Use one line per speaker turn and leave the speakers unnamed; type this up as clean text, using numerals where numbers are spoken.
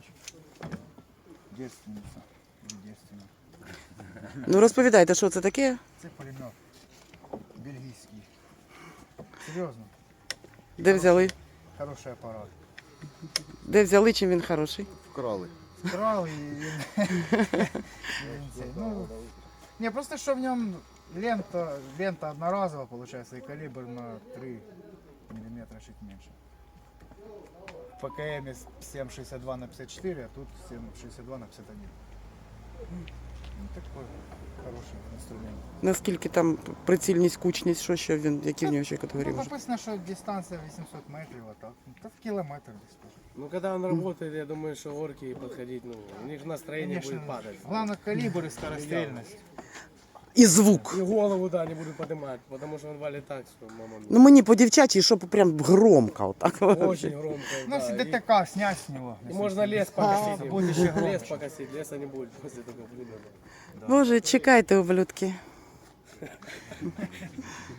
Девственниця. Девственниця.
Ну розповідайте, що це таке?
Це пулемет. Бельгійський. Серйозно.
Де взяли?
Хороший апарат.
Де взяли, чим він хороший?
Вкрали.
Вкрал і він... Ну, не, просто що в ньому лента одноразова, получается, и калибр на 3 миллиметра чуть меньше. В ПКМ 7,62 на 54, а тут 7,62 на 51. Ну, такой хороший инструмент.
Наскільки там прицільність, кучність, що ще він, які в нього ще категорії
Ну,
може?
написано, что дистанция 800 метров, а так, ну, так километр здесь тоже.
Ну, когда он работает, я думаю, что орки подходить, ну, у них настроение будет падать.
Главное калибр и скорострельность.
І звук.
И голову, да, не буду поднимать, потому что он валит так, что мама
Ну мені по дівчачі, щоб прям громко. Отак.
очень громко.
Ну,
да,
если
и-
ДТК снять с него.
и можно лес покосить.
будет еще
Лес
громче.
покосить, леса не будет после такого блюда.
Боже, чекайте, ублюдки.